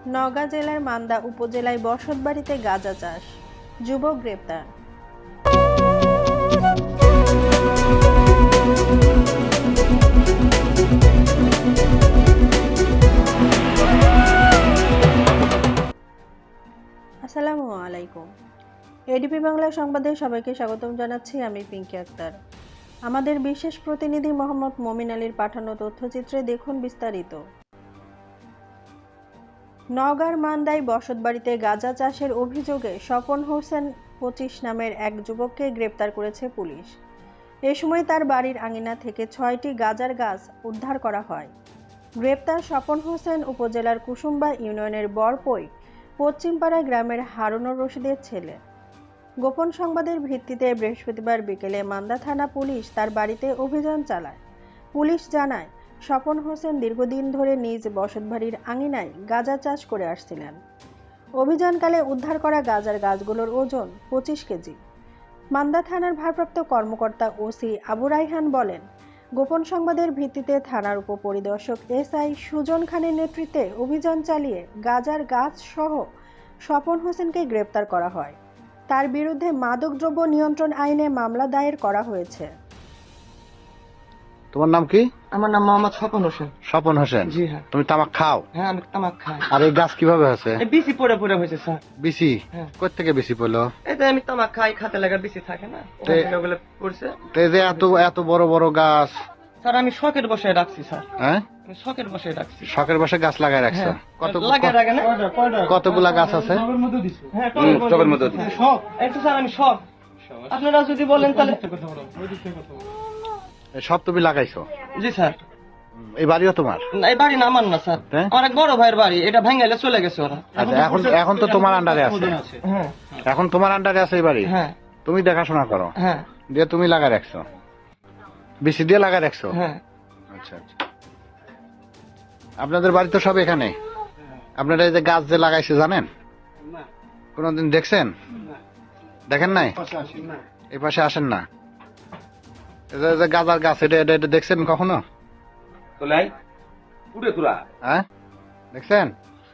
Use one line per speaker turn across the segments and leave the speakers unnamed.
নওগাঁ জেলার মান্দা উপজেলায় বসতবাড়িতে গাঁজা চাষ, যুবক গ্রেপ্তার। আসসালামু আলাইকুম। এডিপি বাংলা সংবাদে সবাইকে স্বাগতম জানাচ্ছি আমি পিঙ্কি আক্তার। আমাদের বিশেষ প্রতিনিধি মোহাম্মদ মমিন আলীর পাঠানো তথ্যচিত্রে দেখুন বিস্তারিত। নওগাঁর মান্দায় বসতবাড়িতে গাঁজা চাষের অভিযোগে স্বপন হোসেন 25 নামের এক যুবককে গ্রেপ্তার করেছে পুলিশ। এ সময় তার বাড়ির আঙিনা থেকে 6টি গাঁজার গাছ উদ্ধার করা হয়। গ্রেপ্তার স্বপন হোসেন উপজেলার কুসুম্বা ইউনিয়নের বরপই পশ্চিমপাড়া গ্রামের হারুনুর রশিদের ছেলে। গোপন সংবাদের ভিত্তিতে বৃহস্পতিবার বিকেলে মান্দা থানা পুলিশ তার বাড়িতে অভিযান চালায়। পুলিশ জানায়, স্বপন হোসেন দীর্ঘদিন ধরে নিজ বসতবাড়ির আঙিনায় গাঁজা চাষ করে আসছিলেন। অভিযানকালে উদ্ধার করা গাঁজার গাছগুলোর ওজন 25 কেজি। মান্দা থানার ভারপ্রাপ্ত কর্মকর্তা ওসি আবু রাইহান বলেন, গোপন সংবাদের ভিত্তিতে থানার উপপরিদর্শক এসআই সুজন খানের নেতৃত্বে অভিযান চালিয়ে গাঁজার গাছ সহ স্বপন হোসেনকে গ্রেপ্তার করা হয়। তার বিরুদ্ধে মাদকদ্রব্য নিয়ন্ত্রণ আইনে মামলা দায়ের করা হয়েছে।
তোমার নাম কি?
আমার নাম মোহাম্মদ স্বপন হোসেন।
স্বপন হোসেন।
জি হ্যাঁ।
তুমি তামাক খাও?
হ্যাঁ, আমি তামাক খাই।
আর এই গাছ কিভাবে হয়েছে?
বিসি পড়ে পড়ে হয়েছে স্যার।
বিসি?
হ্যাঁ।
কোথা থেকে বিসি পড়লো?
এই যে আমি তামাক খাই, খাতে লাগা বিসি থাকে না, ওগুলো পড়ছে।
তো এই যে এত বড় বড় গাছ
স্যার আমি শখের বসায় রাখছি স্যার।
হ্যাঁ,
আমি শখের বসায় রাখছি।
শখের বসে গাছ লাগাই রাখছো?
লাগায় রাখে না?
কতগুলা গাছ আছে?
হ্যাঁ, টবের মধ্যে দিছি। শখ একটু স্যার, আমি শখ। আপনারা যদি বলেন তাহলে
সব তুমি লাগাইছো?
জি স্যার।
এই বাড়িও তোমার?
না, এই বাড়ি না আমার না স্যার, আমার এক বড় ভাইয়ের বাড়ি। এটা ভেঙে চলে গেছে ওরা।
আচ্ছা, এখন তো তোমার আন্ডারে আছে?
হ্যাঁ।
এখন তোমার আন্ডারে আছে এই বাড়ি?
হ্যাঁ।
তুমি দেখাশোনা করো?
হ্যাঁ।
দিয়ে তুমি লাগাই রাখছো? বিসি দিয়ে লাগাই রাখছো?
হ্যাঁ।
আচ্ছা আচ্ছা। আপনাদের বাড়ি তো সব এখানে? আপনারা এই যে গাছ যে লাগাইছে জানেন? কোনদিন দেখছেন? দেখেন নাই? এই পাশে আসেন না? এই যে গাজার গাছ, এটা দেখছেন কখনো? হ্যাঁ, দেখছেন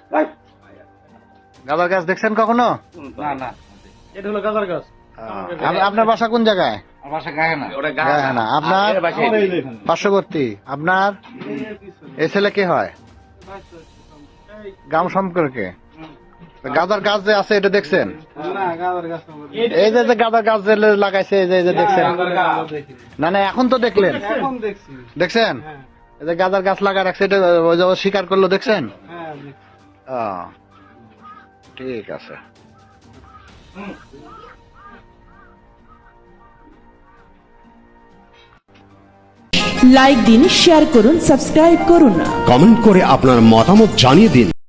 গাজার গাছ? দেখছেন কখনো?
এটা হলো গাজার গাছ।
আপনার বাসা কোন জায়গায়? না, আপনার পার্শ্ববর্তী। আপনার এই ছেলে কে হয়? গ্রাম সম্পর্কে? গাজার গাছ যে আছে এটা দেখছেন? এই যে গাজার গাছ যে লাগাইছে, এই যে দেখছেন? না না, এখন তো দেখলেন? দেখছেন এই যে গাজার গাছ লাগা রাখছে, এটা স্বীকার করলো, দেখছেন? ঠিক আছে।
লাইক দিন, শেয়ার করুন, সাবস্ক্রাইব করুন,
কমেন্ট করে আপনার মতামত জানিয়ে দিন।